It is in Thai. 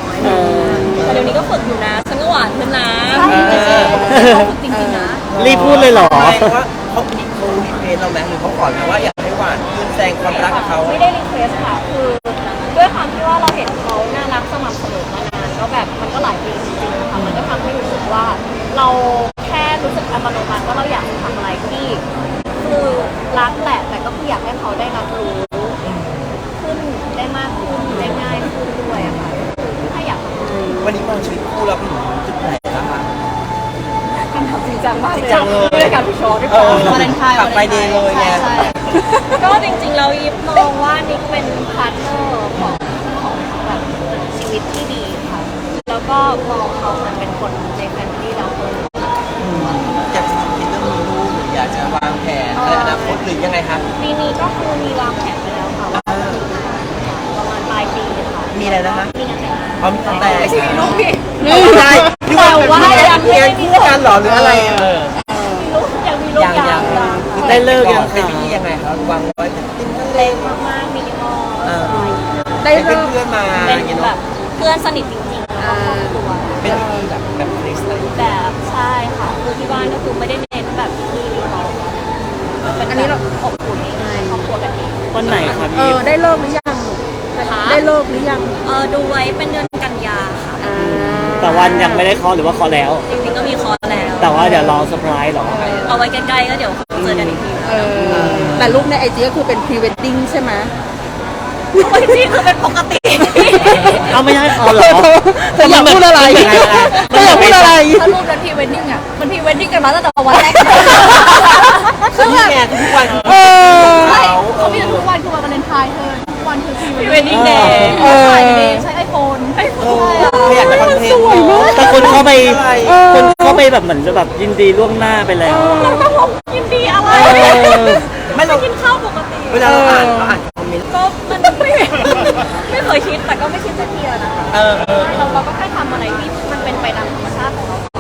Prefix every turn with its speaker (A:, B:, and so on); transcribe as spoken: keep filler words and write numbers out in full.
A: อยแต่เดี๋ยวนี้ก็ฝึกอยู่นะฉันก็หวานขึ้นนะเขาฝึกจริงๆนะ
B: รีบพูดเลยเหรอ
C: ไม่ว่าเขามีเขารีเควสเราไหมหรือเขาขอไหมว่าอยากให้หวานขึ้นแสดงความรักกับเขา
A: ไม่ได้รีเควสค่ะคือด้วยความที่ว่าเราเห็นเขาน่ารักสม่ำเสมอมานานก็แบบมันก็หลายปีจริงๆค่ะมันก็ทำให้รู้สึกว่าเราแค่รู้สึกอัตโนมัติว่าเราอยากทำอะไรที่คือรักแหละแต่ก็คืออยากให้เขาได้รับรู้ขึ้นได้มากขึ้นได้ง่ายขึ้นด้วยอะค่ะถ้าอยากทำ
C: วันนี้มองชีวิตคู่เราเป็นจุดไหนนะคะ
A: คำถามจริงจังมาก
C: จริงจังเลย
A: ด้วยการพิชอร์ด้วย
C: เออ
A: วาเลนไทน์
C: กลับไปดีเลยไง
A: ใช่ก็จริงๆเรายิบมองว่านี่เป็นพาร์ทเนอร์ของของแบบชีวิตที่ดีค่ะแล้วก็มองเขาเหมือนเป็นคนในแฟมิลี่เราคน
C: อยากจะคิดเรื่องมีลูกหรืออยากจะวางแผนในอนาคตหรือยังไงครับ
A: ปีนี้ก็คือมีวางแผนไปแล้วค่ะว่าประมาณปลายปีค่ะ
C: มีอะไรนะคะ
A: มีงานแต่งงาน
C: เขามีตั้งแต่
A: ไม่ใช่มีลูกพี่
C: ไม่ใช่ที่ว่า
A: แต่ว่ายังไม่
C: เรีย
A: ได้
C: น
A: มี
C: คู่กันเหรอหรืออะไรเออ
A: มีลูกยังมีลูก
C: ยังยัง
B: ได้เลิกยัง
C: เป็นพิธียังไงครับวางไว้เป็นติ้นทะเล
A: เล็กมากๆมินิมอล
C: ได้เพื่อนเพื่อนมา
A: เป็น
C: อย่างเงี้ย
A: แบ
C: เนาะ
A: บเพื่อนสนิทจริงๆแล้วก็ครอบครัว
C: เป็นพิธีแบบแบบคริสต์อะไรอย่างเงี้ย
A: แบบใช่ค่ะคือที่บ้านก็คือไม่ได้เน้นแบบที่รีสอร์ทเป็นอันนี้เราอบอุ่นง่ายๆครอบครัวกันเอง
B: วันไหนครับ
D: เอ
B: พี่
D: อได้เลิกหรือยัง
A: นะคะ
D: ได้เลิกหรือยัง
A: เออดูไว้เป็นเดือนกันยาค่ะ
D: อ่า
B: แต่วันยังไม่ได้เคอหรือว่าเคอแล้ว
A: จริงๆก็มีคอร์สแล้ว
B: แต่ว่าเดี๋ยวรอเซอร์ไพรส์เหรอ
A: เอาไว้ใกล้ๆก็เดี๋ยวเจอกันอีกที
D: เออแต่รูปในไอจีก็คือเป็นพรีเวดดิ้งใช่ไหม
A: โอ้ยจริงคือเป็นปกติ
B: เอาไม่ใช่อ๋อเหรอ
D: เธออยากพูดอะไรเธออยากพูดอะไร
A: ถ้ารูปนั้นพรีเวดดิ้งอ่ะมันพรีเวดดิ้งกันมาตั้งแต่วันแรก
C: คือนี่ไงทุกวัน
D: เออ
A: ใช่เขามีทุกวันคือวันวาเลนไทน์เธอทุกวันคือพรีเวดดิ้งเด
D: เออ
A: ถ่ายเดย์ใช้ไอโฟนไอโฟน
C: ไม่อยากจะคอนเทนต์
B: แต่คนเข้าไป
D: เออ
B: คนเข้าไปแบบเหมือนจะแบบยินดีล่วงหน้าไปแล้ว
A: แล้วก็ผมยินดีอะไร
B: เออ
C: ไม่เรา
A: กินข้าวปกติ
C: เวลาเราอ่านเราอ่านคอมเมนต์
A: ก็มันไม่ไม่เคยคิดแต่ก็ไม่คิดจะเทียนะคะ
C: เออเออ
A: เราเราก็แค่ทำอะไรที่มันเป็นไปตามธรรมชาติของเรา